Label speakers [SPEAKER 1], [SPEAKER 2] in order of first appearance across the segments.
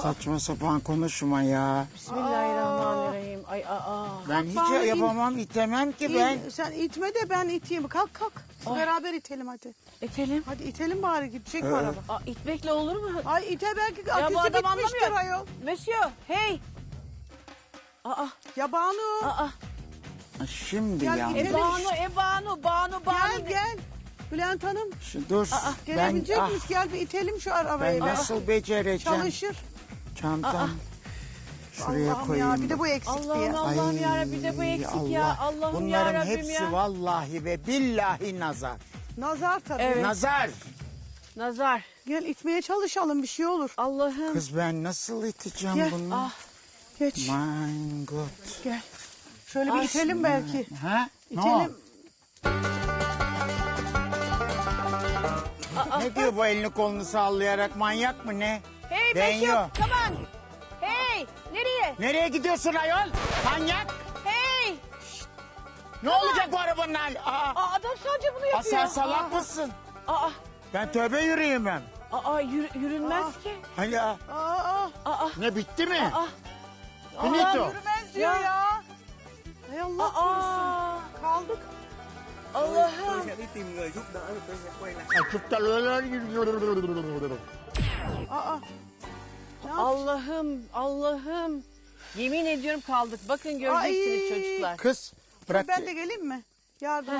[SPEAKER 1] saçma sapan konuşma ya.
[SPEAKER 2] Bismillahirrahmanirrahim. Ay
[SPEAKER 1] Ben hiç
[SPEAKER 3] bana
[SPEAKER 1] yapamam, itemem ki ben.
[SPEAKER 3] Sen itme de ben iteyim. Kalk kalk. Beraber itelim hadi.
[SPEAKER 2] İtelim.
[SPEAKER 3] Hadi itelim bari gidecek mi araba?
[SPEAKER 2] İtmekle olur mu?
[SPEAKER 3] Ay ite belki
[SPEAKER 2] Ya bu
[SPEAKER 3] aküsü
[SPEAKER 2] adam
[SPEAKER 3] bitmiştir
[SPEAKER 2] anlamıyor.
[SPEAKER 3] ayol.
[SPEAKER 2] Monsieur, hey.
[SPEAKER 3] Ya Banu.
[SPEAKER 1] Şimdi
[SPEAKER 3] Gel
[SPEAKER 1] ya.
[SPEAKER 3] gidelim.
[SPEAKER 2] Banu.
[SPEAKER 3] Gel. Bülent Hanım
[SPEAKER 1] Dur.
[SPEAKER 3] gelebilecek
[SPEAKER 1] ben,
[SPEAKER 3] miyiz? Gel bir itelim şu arabayı.
[SPEAKER 1] ben nasıl becereceğim?
[SPEAKER 3] Çalışır.
[SPEAKER 1] Çantam. Şuraya
[SPEAKER 3] Allah'ım
[SPEAKER 1] koyayım.
[SPEAKER 3] ya bir de bu eksikti ya.
[SPEAKER 2] Allah'ım yarabbim bir de bu eksik ya. Allah'ım
[SPEAKER 1] Bunların
[SPEAKER 2] yarabbim
[SPEAKER 1] hepsi
[SPEAKER 2] ya.
[SPEAKER 1] vallahi ve billahi nazar.
[SPEAKER 3] Nazar tabii.
[SPEAKER 2] Evet.
[SPEAKER 1] Nazar.
[SPEAKER 2] Nazar.
[SPEAKER 3] Gel itmeye çalışalım bir şey olur.
[SPEAKER 2] Allah'ım.
[SPEAKER 1] Kız ben nasıl iteceğim
[SPEAKER 3] Gel.
[SPEAKER 1] bunu?
[SPEAKER 3] Geç.
[SPEAKER 1] My God.
[SPEAKER 3] Gel. Şöyle bir itelim belki.
[SPEAKER 1] Ha?
[SPEAKER 3] İtelim.
[SPEAKER 1] Ne diyor bu elini kolunu sallayarak, manyak mı ne?
[SPEAKER 2] Hey
[SPEAKER 1] Ben
[SPEAKER 2] Monsieur,
[SPEAKER 1] yok.
[SPEAKER 2] come on. Hey, nereye?
[SPEAKER 1] Nereye gidiyorsun ayol? Manyak.
[SPEAKER 2] Hey.
[SPEAKER 1] Ne olacak bu arabanın hali?
[SPEAKER 2] Adam sadece bunu yapıyor.
[SPEAKER 1] Sen salak mısın?
[SPEAKER 2] Aa,
[SPEAKER 1] Ben tövbe yürüyemem.
[SPEAKER 2] yürünmez ki.
[SPEAKER 1] Hani ne bitti mi? Finito.
[SPEAKER 3] Yürümez diyor ya. Hay Allah korusun. Kaldık.
[SPEAKER 2] Allah'ım. Allah'ım. Yemin ediyorum kaldık. Bakın göreceksiniz
[SPEAKER 3] Ay.
[SPEAKER 2] çocuklar.
[SPEAKER 1] Kız bırak.
[SPEAKER 3] Ben de geleyim mi? Yardım.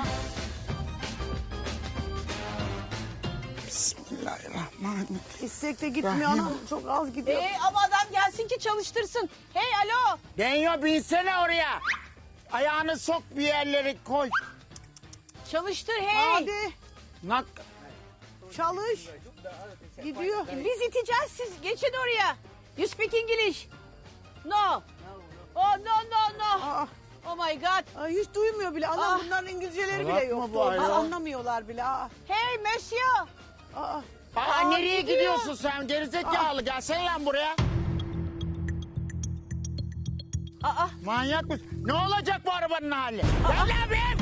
[SPEAKER 1] Bismillahirrahmanirrahim.
[SPEAKER 3] İstek de gitmiyor anam. Çok az gidiyor.
[SPEAKER 2] Ama adam gelsin ki çalıştırsın. Hey alo.
[SPEAKER 1] Denyo binsene oraya. Ayağını sok bir yerlere koy.
[SPEAKER 2] Çalıştır hey.
[SPEAKER 3] Hadi
[SPEAKER 1] Nak.
[SPEAKER 3] çalış. Gidiyor.
[SPEAKER 2] Biz iteceğiz siz geçin oraya. You speak English? No. Oh no.
[SPEAKER 3] Aa,
[SPEAKER 2] Oh my god.
[SPEAKER 3] ay, hiç duymuyor bile. Anam bunların İngilizceleri
[SPEAKER 1] Salak
[SPEAKER 3] bile
[SPEAKER 1] mı
[SPEAKER 3] yok.
[SPEAKER 1] bu ayol?
[SPEAKER 3] Anlamıyorlar bile.
[SPEAKER 2] Hey monsieur.
[SPEAKER 1] Nereye
[SPEAKER 2] gidiyor.
[SPEAKER 1] gidiyorsun sen gerizekalı? Gelsene lan buraya. Manyak mısın? Ne olacak bu arabanın hali? Gel lan be!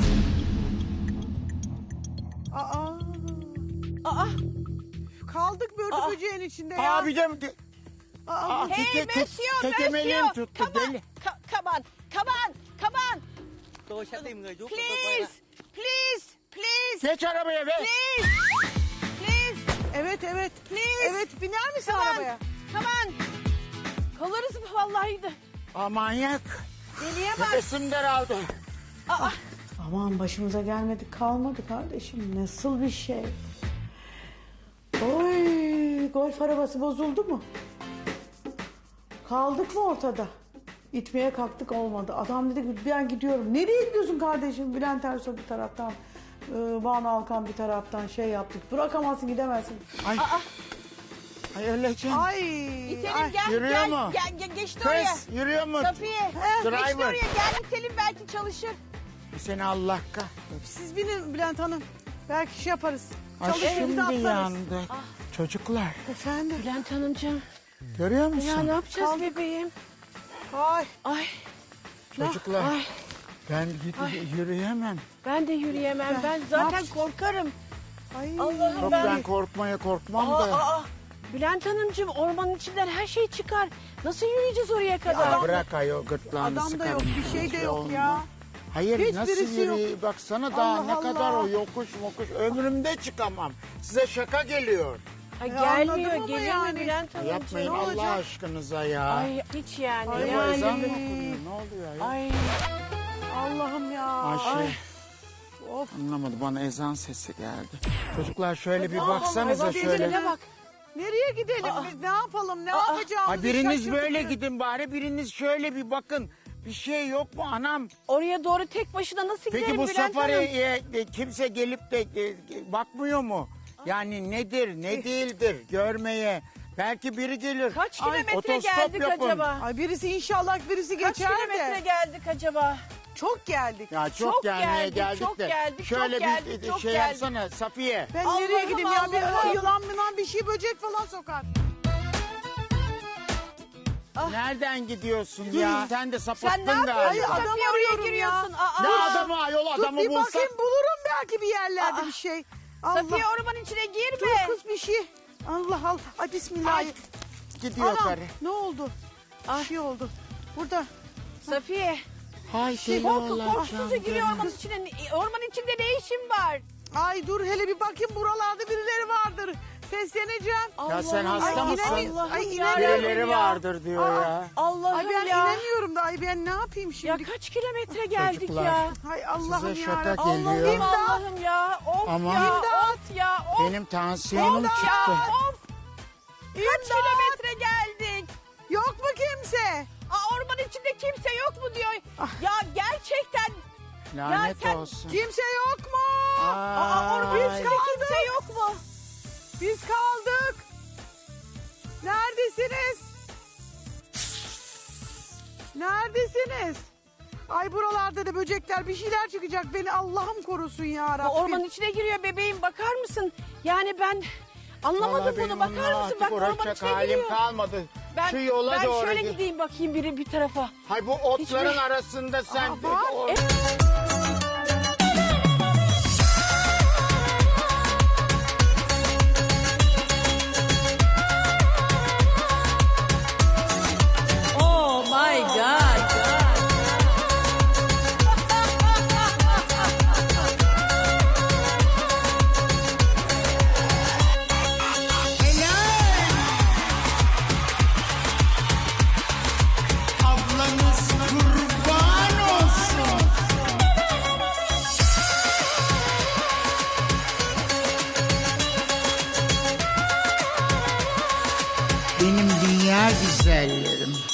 [SPEAKER 3] Kaldık börtü böceğin içinde ya.
[SPEAKER 1] Abi de...
[SPEAKER 2] Hey monsieur,
[SPEAKER 1] Tekemeliğim
[SPEAKER 2] monsieur.
[SPEAKER 1] tuttu
[SPEAKER 2] Come on.
[SPEAKER 1] deli.
[SPEAKER 2] Come on.
[SPEAKER 4] Tôi sẽ tìm người giúp cho tôi quay lại.
[SPEAKER 2] Please.
[SPEAKER 1] Geç arabaya be.
[SPEAKER 2] Please.
[SPEAKER 3] Evet.
[SPEAKER 2] Please.
[SPEAKER 3] Evet biner misin
[SPEAKER 2] Come on.
[SPEAKER 3] arabaya?
[SPEAKER 2] Come on. Kalırız vallahi de.
[SPEAKER 1] Manyak.
[SPEAKER 2] Deliye bak.
[SPEAKER 1] Nefesim daraldı.
[SPEAKER 3] Aman başımıza gelmedik kalmadı kardeşim. Nasıl bir şey? Oy golf arabası bozuldu mu? Kaldık mı ortada? İtmeye kalktık olmadı. Adam dedi ki ben gidiyorum. Nereye gidiyorsun kardeşim? Bülent Ersoy bir taraftan, Banu Alkan bir taraftan şey yaptık. Bırakamazsın gidemezsin.
[SPEAKER 1] Ay öleceğim.
[SPEAKER 3] Ay.
[SPEAKER 2] İtelim gel.
[SPEAKER 1] Yürüyor mu?
[SPEAKER 2] Gel geçti oraya.
[SPEAKER 1] Kız yürüyor mu?
[SPEAKER 2] Safiye. Geçti
[SPEAKER 1] Driver.
[SPEAKER 2] oraya gel itelim belki çalışır.
[SPEAKER 1] Seni Allah kahretsin.
[SPEAKER 3] Siz binin Bülent Hanım. Belki şey yaparız.
[SPEAKER 1] Ay
[SPEAKER 3] Çalışır bir de
[SPEAKER 1] şimdi
[SPEAKER 3] atlarız.
[SPEAKER 1] yandık. Çocuklar
[SPEAKER 3] Efendim.
[SPEAKER 2] Bülent Hanımcığım.
[SPEAKER 1] görüyor musun?
[SPEAKER 2] Ya ne yapacağız bebeğim? Ay.
[SPEAKER 1] Çocuklar
[SPEAKER 2] Ay.
[SPEAKER 1] ben yürüyemem.
[SPEAKER 2] Ben de yürüyemem. Ben zaten korkarım.
[SPEAKER 3] Ay.
[SPEAKER 2] Allah'ım
[SPEAKER 1] Yok
[SPEAKER 2] ben.
[SPEAKER 1] ben korkmam da.
[SPEAKER 2] Bülent Hanımcığım ormanın içinden her şey çıkar. Nasıl yürüyeceğiz oraya kadar?
[SPEAKER 1] Ya bırak ayol gırtlağını
[SPEAKER 3] Adam da
[SPEAKER 1] sıkarım.
[SPEAKER 3] yok, bir şey de yok
[SPEAKER 1] olmaz.
[SPEAKER 3] ya.
[SPEAKER 1] Hayır
[SPEAKER 3] Hiçbirisi
[SPEAKER 1] nasıl yürüyeyim?
[SPEAKER 3] yok.
[SPEAKER 1] Baksana daha
[SPEAKER 3] Allah
[SPEAKER 1] ne kadar
[SPEAKER 3] Allah.
[SPEAKER 1] o yokuş ömrümde çıkamam. Size şaka geliyor.
[SPEAKER 2] Ay,
[SPEAKER 3] anladım
[SPEAKER 2] gelmiyor.
[SPEAKER 3] ama
[SPEAKER 2] Gelir
[SPEAKER 3] yani.
[SPEAKER 2] mi Bülent Hanımcığım?
[SPEAKER 1] Yapmayın
[SPEAKER 3] ne
[SPEAKER 1] Allah
[SPEAKER 3] olacak?
[SPEAKER 1] aşkınıza ya.
[SPEAKER 2] Ay hiç yani.
[SPEAKER 3] Ay,
[SPEAKER 1] Ne bu ezan mı
[SPEAKER 2] yani.
[SPEAKER 1] okunuyor? Ne oluyor ya?
[SPEAKER 2] Ay.
[SPEAKER 3] Allah'ım ya.
[SPEAKER 1] Ayşe.
[SPEAKER 3] Of.
[SPEAKER 1] Anlamadı bana ezan sesi geldi. Çocuklar şöyle bir
[SPEAKER 3] Allah
[SPEAKER 1] baksanıza
[SPEAKER 3] Allah,
[SPEAKER 1] şöyle.
[SPEAKER 3] birbirine bak. Nereye gidelim biz? Ne yapalım? Ne yapacağımızı
[SPEAKER 1] Ay biriniz
[SPEAKER 3] şaşırdık
[SPEAKER 1] böyle
[SPEAKER 3] biz.
[SPEAKER 1] gidin bari biriniz şöyle bir bakın. Bir şey yok mu anam?
[SPEAKER 2] Oraya doğru tek başına nasıl
[SPEAKER 1] Peki
[SPEAKER 2] giderim
[SPEAKER 1] bu
[SPEAKER 2] Bülent Hanım?
[SPEAKER 1] safariye kimse gelip de bakmıyor mu? Yani nedir ne değildir görmeye. Belki biri gelir.
[SPEAKER 2] Kaç
[SPEAKER 1] Ay,
[SPEAKER 2] kilometre
[SPEAKER 1] otostop
[SPEAKER 2] geldik
[SPEAKER 1] yapın.
[SPEAKER 2] acaba?
[SPEAKER 3] Ay birisi inşallah birisi
[SPEAKER 2] Kaç
[SPEAKER 3] geçer
[SPEAKER 2] kilometre
[SPEAKER 3] de.
[SPEAKER 2] geldik acaba?
[SPEAKER 3] Çok geldik.
[SPEAKER 1] Ya çok,
[SPEAKER 2] Çok
[SPEAKER 1] gelmeye
[SPEAKER 2] geldik,
[SPEAKER 1] geldik
[SPEAKER 2] çok
[SPEAKER 1] de.
[SPEAKER 2] geldik,
[SPEAKER 1] Şöyle
[SPEAKER 2] çok
[SPEAKER 1] bir
[SPEAKER 2] geldik, çok
[SPEAKER 1] şey
[SPEAKER 2] geldik.
[SPEAKER 1] yapsana Safiye.
[SPEAKER 3] Ben
[SPEAKER 2] Allah'ım,
[SPEAKER 3] nereye gideyim ya?
[SPEAKER 2] Allah'ım.
[SPEAKER 3] Bir yılan bir şey böcek falan sokar.
[SPEAKER 1] Nereden gidiyorsun ya? Sen de
[SPEAKER 2] Sen
[SPEAKER 1] sapıttın
[SPEAKER 2] ne yapıyorsun?
[SPEAKER 1] galiba.
[SPEAKER 3] Adam
[SPEAKER 2] Safiye oraya
[SPEAKER 3] arıyorum
[SPEAKER 2] giriyorsun.
[SPEAKER 1] Ne
[SPEAKER 2] Aa.
[SPEAKER 1] adamı ayol
[SPEAKER 3] Dur
[SPEAKER 1] adamı
[SPEAKER 3] bir
[SPEAKER 1] bulsak.
[SPEAKER 3] bakayım bulurum belki bir yerlerde bir şey. Allah.
[SPEAKER 2] Safiye ormanın içine girme.
[SPEAKER 3] Dur kız bir şey. Allah Allah. Ay bismillah.
[SPEAKER 2] Ay.
[SPEAKER 1] gidiyor
[SPEAKER 3] Anam,
[SPEAKER 1] karı.
[SPEAKER 3] ne oldu? Bir şey oldu. Burada.
[SPEAKER 2] Safiye.
[SPEAKER 1] Hay deli olacağım.
[SPEAKER 2] Korkusuzca giriyor ormanın içine. Ormanın içinde ne işin var?
[SPEAKER 3] Ay dur hele bir bakayım buralarda birileri vardır. Sesleneceğim.
[SPEAKER 1] Ya sen hasta
[SPEAKER 3] Ay,
[SPEAKER 1] mısın?
[SPEAKER 3] inemiyorum. Ay,
[SPEAKER 1] Birileri
[SPEAKER 2] ya.
[SPEAKER 1] vardır diyor ya.
[SPEAKER 2] Allah'ım
[SPEAKER 3] Ay ben
[SPEAKER 2] ya.
[SPEAKER 3] inemiyorum da ay ben ne yapayım
[SPEAKER 2] Ya
[SPEAKER 3] şimdi?
[SPEAKER 2] kaç kilometre geldik
[SPEAKER 1] Çocuklar.
[SPEAKER 2] ya.
[SPEAKER 3] Hay Allah'ım
[SPEAKER 1] Size
[SPEAKER 3] ya.
[SPEAKER 1] şaka
[SPEAKER 3] Allah'ım
[SPEAKER 1] geliyor.
[SPEAKER 3] imdat.
[SPEAKER 2] Allah'ım ya. Of
[SPEAKER 1] Aman.
[SPEAKER 2] ya.
[SPEAKER 3] İmdat.
[SPEAKER 2] Of ya. Of.
[SPEAKER 1] Benim tansiyonum
[SPEAKER 2] Of
[SPEAKER 1] çıktı.
[SPEAKER 2] ya. Of. Kaç kilometre geldik?
[SPEAKER 3] Yok mu kimse?
[SPEAKER 2] Ormanın içinde kimse yok mu diyor. Ya gerçekten.
[SPEAKER 1] Lanet
[SPEAKER 2] sen-
[SPEAKER 1] olsun.
[SPEAKER 3] Kimse yok mu?
[SPEAKER 2] Ormanın
[SPEAKER 1] Ay.
[SPEAKER 2] içinde kimse yok mu?
[SPEAKER 3] Biz kaldık. Neredesiniz? Neredesiniz? Ay buralarda da böcekler bir şeyler çıkacak beni Allah'ım korusun ya
[SPEAKER 2] Bu
[SPEAKER 3] Rabbim.
[SPEAKER 2] ormanın içine giriyor bebeğim, bakar mısın? Yani ben anlamadım
[SPEAKER 1] Vallahi
[SPEAKER 2] bunu,
[SPEAKER 1] benim
[SPEAKER 2] bakar
[SPEAKER 1] onunla
[SPEAKER 2] mısın?
[SPEAKER 1] artık
[SPEAKER 2] Bak ormanın
[SPEAKER 1] uğraşacak
[SPEAKER 2] içine
[SPEAKER 1] halim
[SPEAKER 2] giriyor.
[SPEAKER 1] kalmadı.
[SPEAKER 2] Ben,
[SPEAKER 1] Şu yola
[SPEAKER 2] ben
[SPEAKER 1] doğru
[SPEAKER 2] şöyle
[SPEAKER 1] git.
[SPEAKER 2] gideyim bakayım bir tarafa.
[SPEAKER 1] Hay bu otların
[SPEAKER 2] Hiçbir-
[SPEAKER 1] arasında sen...
[SPEAKER 3] var.
[SPEAKER 2] Oh my God.
[SPEAKER 1] Ablanız kurban olsun. Benim dünya güzellerim.